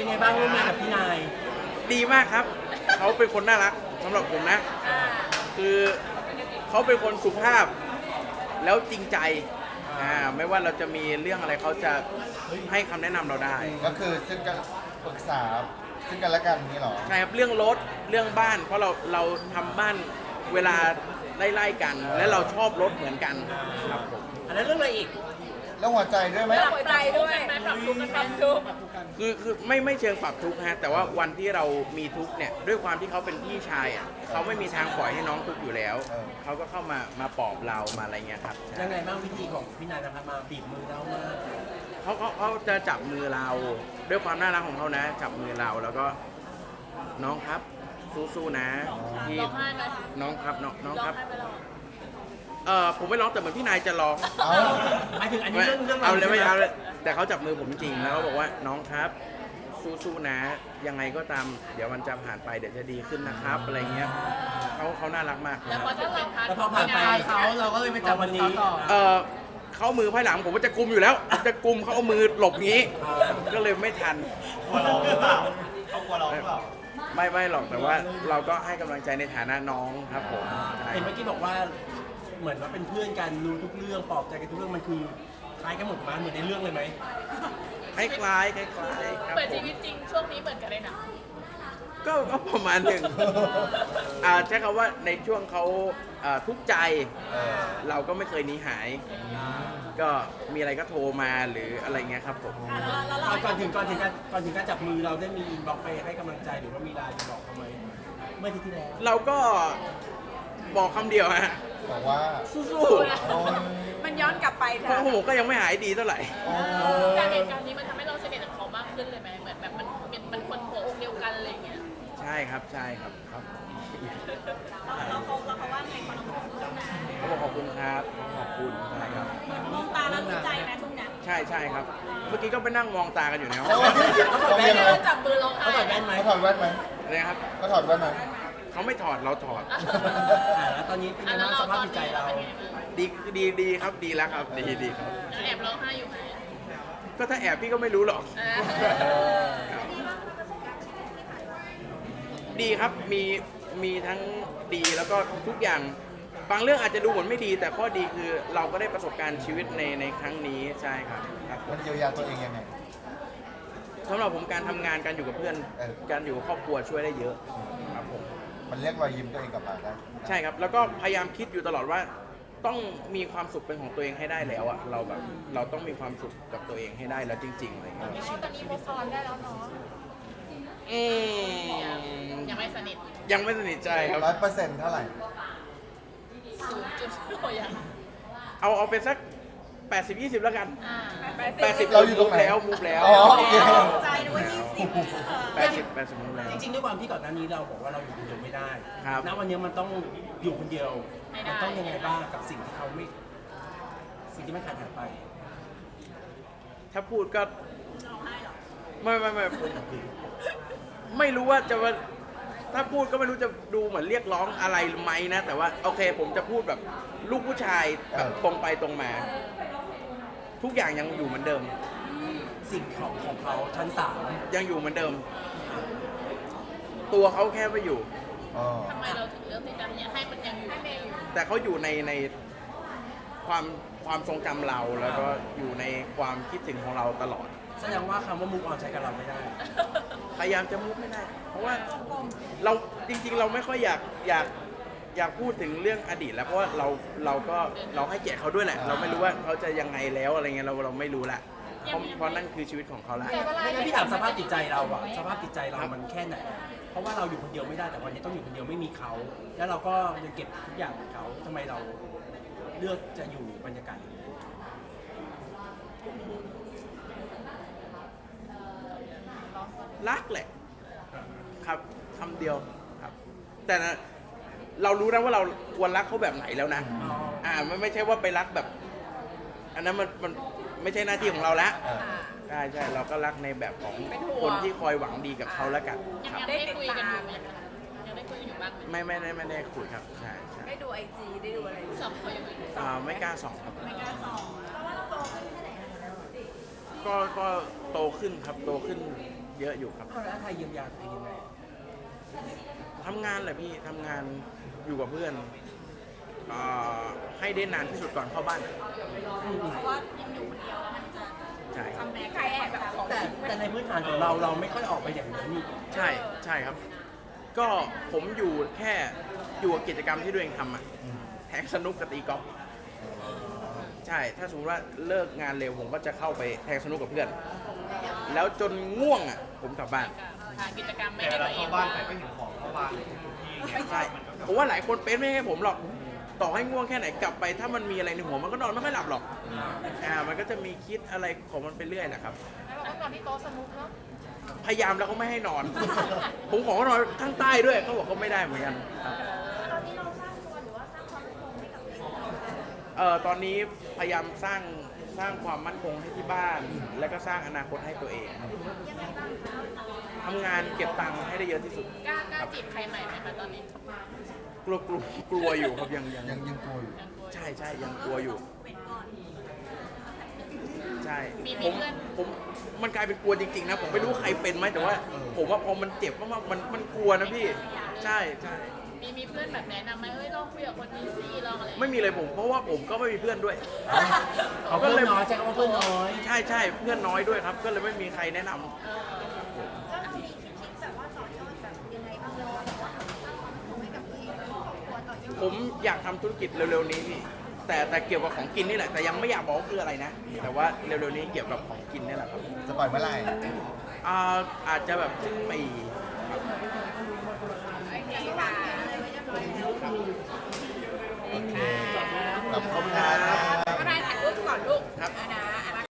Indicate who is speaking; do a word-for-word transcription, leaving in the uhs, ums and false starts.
Speaker 1: เป็นไงบ้างร่วมงานกับพี่นาย
Speaker 2: ดีมากครับ เขาเป็นคนน่ารักสำหรับผมนะ คือเขาเป็นคนสุภาพแล้วจริงใจอ่าไม่ว่าเราจะมีเรื่องอะไรเขาจะให้คำแนะนำเราได้
Speaker 3: ก็คือซึ่งกันปรึกษาซึ่งกันและกันนี่หรอ
Speaker 2: ใช่ครับเรื่องรถเรื่องบ้าน เพราะเราเราทำบ้านเวลาไล่ๆกัน และเราชอบรถเหมือนกันครับผม
Speaker 1: อันนั้นเรื่องอะไรอีก
Speaker 3: แล้วหัวใจด้วยไหม
Speaker 4: ปรับใจด้วยปรับทุกข์กันปรับทุกข์
Speaker 2: คือคือไม่ไม่เชิงปรับทุกข์ฮะแต่ว่าวันที่เรามีทุกข์เนี่ยด้วยความที่เขาเป็นพี่ชายอ่ะเขาไม่มีทางปล่อยให้น้องทุกข์อยู่แล้วเขาก็เข้ามามาปลอบเรามาอะไรเงี้ยครับ
Speaker 1: ยังไงบ้างวิธีของพี่นายนะครับมาบีบมือเรามา
Speaker 2: เขาเขาเขาจะจับมือเราด้วยความน่ารักของเขานะ จับมือเราแล้วก็น้องครับสู้ๆนะที่
Speaker 4: ร้องไห้ไหม
Speaker 2: น้องครับน้องน้อง
Speaker 4: ร้อง
Speaker 2: ครับ
Speaker 4: ไห้ไปแล้ว
Speaker 2: เออผมไม่ร้องแต่เหมือนพี่นายจะร้อง
Speaker 3: เอา
Speaker 1: หมายถึงอันนี้เรื่องเรื่อง
Speaker 2: เอาเลยไม่
Speaker 1: ใช่ห
Speaker 2: เอาเลยแต่เขาจับมือผมจริงแล้วเขาบอกว่าน้องครับสู้ๆนะ ยังไงก็ตามเดี๋ยวมันจะผ่านไปเดี๋ยวจะดีขึ้นนะครับอะไรเงี้ยเขาเขาน่ารักมาก
Speaker 4: แล้วพอจะเป็นพาร์ท
Speaker 1: แล้วพอผ่านไปเขาเราก็เลยไปจับวันนี้
Speaker 2: เออเขามือภายหลังผมว่าจะกุมอยู่แล้วจะกุมเขาเอามือหลบงี้ ก็เลยไม่ทัน
Speaker 3: กลัวร้องหรือเปล่าเขากลัวร้องหรือเปล่า
Speaker 2: ไม่ไม่หรอกแต่ว่าเราก็ให้กำลังใจในฐานะน้องครับผมใช่
Speaker 1: เห็นเมื่อกี้บอกว่าเหมือนว่าเป็นเพื่อนกันรู้ทุกเรื่องปลอบใจกันทุกเรื่องมันคือคล้ายกันหมดมาเหมือนในเรื่องเลยไหม
Speaker 2: คล้ายคล้ายๆคล้ายๆครับ
Speaker 4: เปิด
Speaker 2: ผ
Speaker 4: ชี
Speaker 2: ม
Speaker 4: วิตจริงช่วงนี้เหมือนกันเลยนะ
Speaker 2: ก็ก็ประมาณหนึ่งอ่าใช้คำว่าในช่วงเขาอ่าทุกข์ใจ
Speaker 3: เออ
Speaker 2: เราก็ไม่เคยหนีหาย ก็มีอะไรก็โทรมาหรืออะไรเงี้ยครับผม
Speaker 1: เอาก่อนถึงก่อนถึงการก่อนถึงการจับมือเราได้มีอินบ็อกซ์ไปให้กำลังใจหรือว่ามีไลน์ไปบอกเขาไหมเมื่ออาที่ที่แล้ว
Speaker 2: เราก็บอกคำเดียวฮะ
Speaker 3: บอกว่า
Speaker 2: สู้
Speaker 3: โอ้ย
Speaker 4: มันย้อนกลับไป
Speaker 2: ๆเพราะผมก็ยังไม่หายดีเท่าไหร่
Speaker 3: โอ้
Speaker 4: การเห
Speaker 3: ย
Speaker 4: ตุการณ์นี้มันทำให้เราสนิทกับเขามากขึ้นเลยไหมเหมือนแบบมันเป็นมันคนหัวอกเดียวกันอะไรอย่างเงี้ย
Speaker 2: ใช่ครับใช่ครับครับ
Speaker 4: เราเขาเราเขาว่าไงเขาต้องพูดนะ
Speaker 2: เขาบอกขอบคุณครับขอบคุณใช่ครับ
Speaker 4: มองตาแล้วรู้ใจไหมช่วงนี้
Speaker 2: ใช่ใช่ครับ เมื่อกี้ก็ไปนั่งมองตากันอยู่ในห้อง
Speaker 3: เขาเขายังไง
Speaker 4: เราจับมือร้องไห้
Speaker 1: เขาถอดแว่นไหม
Speaker 3: เขาถอดแว่นไหม
Speaker 2: นะครับ
Speaker 3: เขาถอดแว่นไหม
Speaker 2: เขาไม่ถอดเราถอด
Speaker 1: อ่าแล้วตอนนี้เป็นยังไงบ้างสภาพจิตใจเรา
Speaker 2: ดีดีดีครับดีแล้วครับดีดีครับ
Speaker 4: แอบร้องไห้อยู่ไหม
Speaker 2: ก็ถ้าแอบพี่ก็ไม่รู้หรอก ดีครับมีมีทั้งดีแล้วก็ทุกอย่างบางเรื่องอาจจะดูเหมือนไม่ดี แต่ข้อดีคือเราก็ได้ประสบการณ์ชีวิตในในครั้งนี้ใช่ครับครับผม
Speaker 3: มันเยียวยาตัวเองยังไง
Speaker 2: สำหรับผมการทำงานการอยู่กับเพื่อน
Speaker 3: เออ
Speaker 2: การอยู่กับครอบครัวช่วยได้เยอะครับผม
Speaker 3: มันเรียกรอยยิ้มตัวเองกลับมาได้
Speaker 2: ใช่ครับแล้วก็พยายามคิดอยู่ตลอดว่าต้องมีความสุขเป็นของตัวเองให้ได้แล้วอะเราแบบเราต้องมีความสุขกับตัวเองให้ได้แล้วจริงๆอะไรอย่างเงี้ย
Speaker 4: ตอนนี้โมซอนได้แล้วเนาะ
Speaker 2: อืม
Speaker 4: ยังไม่สนิท
Speaker 2: ยังไม่สนิทใจครับ
Speaker 3: ร้อยเปอร์เซ็นต์เท่าไหร่
Speaker 4: ศูนย์จุดโอ้ยยัง
Speaker 2: เอาเอาเป็นสักแปดสิบ ยี่สิบแล้วกัน
Speaker 4: อ่า
Speaker 2: แปดสิบ
Speaker 3: เราอยู่ตรงไหน
Speaker 2: แล้วมูฟแล้ว
Speaker 3: อ๋อโอเค
Speaker 4: ใจด้วยยี่สิบ
Speaker 2: แปดสิบแปดสิบมูฟแล้ว
Speaker 1: จริงๆด้วยความที่ก่อนหน้านี้เราบอกว่าเราอยู่คนเดียวไม่ได้
Speaker 2: ครับ
Speaker 1: ณวันนี้มันต้องอยู่คนเดียวมันต้องยังไงบ้างกับสิ่งที่เขาไม่สิ่งที่ไม่ขาดหายไป
Speaker 2: ถ้าพูดก็ไม่ไม่ไม่ผมไม่รู้ว่าจะว่าถ้าพูดก็ไม่รู้จะดูเหมือนเรียกร้องอะไรไหมนะ แต่ว่าโอเคผมจะพูดแบบลูกผู้ชายแบบตรงไปตรงมา ทุกอย่างยังอยู่เหมือนเดิม
Speaker 1: สิ่งของของเขาชั้นสาม
Speaker 2: ยังอยู่เหมือนเดิม ตัวเขาแค่ไม่อยู่
Speaker 3: อ๋อ
Speaker 4: ทำไมเราถึงเลือกที่จะให้มันยังอยู่ในอยู่
Speaker 2: แต่เขาอยู่ในในความความทรงจำเราแล้วก็อยู่ในความคิดถึงของเราตลอด
Speaker 1: แสดงว่าคำว่ามุกออนใช้กับเราไม่ได้
Speaker 2: พยายามจะมุกไม่ได้ เพราะว่าเราจริงๆ เราไม่ค่อยอยากอยากอยากพูดถึงเรื่องอดีตแล้วเพราะว่าเราเราก็เราให้เกียรติเขาด้วยแหละ เราไม่รู้ว่าเขาจะยังไงแล้วอะไรเงี้ยเราเราไม่รู้ละเพราะเพราะนั่นคือชีวิตของเขาละ
Speaker 1: ไม่งั้นพี่ถามสภาพจิตใจเราอะสภาพจิตใจเรามันแค่ไหน เพราะว่าเราอยู่คนเดียวไม่ได้แต่วันนี้ต้องอยู่คนเดียวไม่มีเขา แล้วเราก็ยังเก็บทุกอย่างของเขาทำไมเราเลือกจะอยู่บรรยากาศอย่างนี้
Speaker 2: รักแหละครับคำเดียวครับ แต่นะเรารู้นะว่าเราควรรักเขาแบบไหนแล้วนะ อ่ามันไม่ใช่ว่าไปรักแบบ อันนั้นมันมันไม่ใช่หน้าที่ของเราละ
Speaker 3: เออ
Speaker 2: ใช่ใช่เราก็รักในแบบของคนที่คอยหวังดีกับเขาแล้วกัน
Speaker 4: ยัง
Speaker 2: ครับ
Speaker 4: ยังได้คุยกันอยู่ไหมยังได้คุยกันอยู่บ้างไหม
Speaker 2: ไม่ไม่ได้ไม่ได้คุยครับใช่ใช่
Speaker 4: ได้ดูไอจีได้ดูอะไรสอบเขาอยู่ไหม
Speaker 2: อ่าไม่กล้าส่องครับ
Speaker 4: ไม่กล้าสอบเพราะว่าเราโตขึ้นแค่ไหน
Speaker 2: ก็ก็โตขึ้นครับโตขึ้นเยอะอยู่ครับ
Speaker 1: เอาแล้วไทยเยียวยาตัวเองยังไง
Speaker 2: ทำงานแหละพี่ทำงานอยู่กับเพื่อนอ่าให้ได้นานที่สุดก่อนเข้าบ้าน
Speaker 4: เพราะว่ายังอยู่คนเดียวแล้วมันจะ
Speaker 2: ใช่ครับ
Speaker 4: ทำแม่ใครแอบแบบของ
Speaker 1: แต่แต่ในพื้นฐานของเราเราไม่ค่อยออกไปอย่างนั้นนี่
Speaker 2: ใช่ใช่ครับ ก็ผมอยู่แค่อยู่กับกิจกรรมที่ตัวเองทำอะแทงสนุกกับตีกอล์ฟใช่ถ้าสมมติว่าเลิกงานเร็วผมก็จะเข้าไปแทงสนุกกับเพื่อน แล้วจนง่วงอ่ะผมกลับบ้าน
Speaker 4: หากิจกรรมไม่
Speaker 5: แต่
Speaker 4: ได้
Speaker 5: เรา
Speaker 4: ตัวเอง
Speaker 5: เข้าบ้านไปก็เห็นของเข้าบ้านทุกที่ไง
Speaker 2: ใช่ผมว่าหลายคนเป็นไม่ให้ผมหรอกต่อให้ง่วงแค่ไหนกลับไป ถ้ามันมีอะไรในหัวมันก็นอนไม่ค่อยหลับหรอกอ่ามันก็จะมีคิดอะไรของมันไปเรื่อยแหละครับ
Speaker 4: แล้วเราก็นอนที่โต๊ะสนุกเนาะ
Speaker 2: พยายามแล้วเขาไม่ให้นอน ผมขอเขานอนข้างใต้ด้วยเขาบอกเขาไม่ได้เหมือนกันครับ
Speaker 4: ตอนนี้เราสร้างตัวหรือว่าสร้างความมั่นคงให้กับตัวเอง
Speaker 2: เอ่อตอนนี้พยายามสร้างสร้างความมั่นคงให้ที่บ้าน แล้วก็สร้างอนาคตให้ตัวเอง
Speaker 4: ยังไงบ้างคะ
Speaker 2: ทำงานเก็บตังค์ให้ได้เยอะที่สุด
Speaker 4: กล้ากล้าจีบใครใหม่ไหมคะตอนนี้
Speaker 2: กลัวกลัวกลัวอยู่ครับยังยัง
Speaker 3: ยังยังกลัวอยู่
Speaker 4: ยังกลัวอยู่
Speaker 2: ใช่ใช่ยังกลัวอยู่
Speaker 4: เป็นก่อน
Speaker 2: ใช่
Speaker 4: มี
Speaker 2: ผ
Speaker 4: มี
Speaker 2: ม
Speaker 4: เพื่อน
Speaker 2: ผมมันกลายเป็นกลัวจริงๆนะผมไม่รู้ใครเป็นไหมแต่ว่า ผมว่าพอมันเจ็บมากๆมันมันกลัวนะพี่ ใช่ใช่
Speaker 4: มีมีเพื่อนแบบแนะนำไหมเอ้ยลองคุยกับคนนี้สิลองอะไร
Speaker 2: ไม่มีเลยผมเพราะว่าผมก็ไม่มีเพื่อนด้วย
Speaker 1: เขาเพื่อนน้อยใช่คำว่าเพื่อนน้อย
Speaker 2: ใช่ใช่เพื่อนน้อยด้วยครับ ก็เลยไม่มีใครแนะนำ
Speaker 4: เออ
Speaker 6: แล้วเรามีคิดแบบว่าต่อยอดแบบยังไงบ้างเราแบบว่าสร้างความสุขให้กับตัวเองและครอบครัวต่อยอด
Speaker 2: ผมอยากทำธุรกิจเร็วๆนี้พี่แต่แต่เกี่ยวกับของกินนี่แหละแต่ยังไม่อยากบอกว่าคืออะไรนะ แต่ว่าเร็วๆนี้เกี่ยวกับของกินนี่แหละครับ
Speaker 3: จะปล่อยเมื่อไหร่
Speaker 2: อ่าอาจจะแบบสิ้นปี
Speaker 4: โอเคค่ะ
Speaker 3: โอเคขอบคุณครับ
Speaker 4: ก็ได้ถ่ายรูปก่อนลูก
Speaker 2: ครับ
Speaker 4: นะ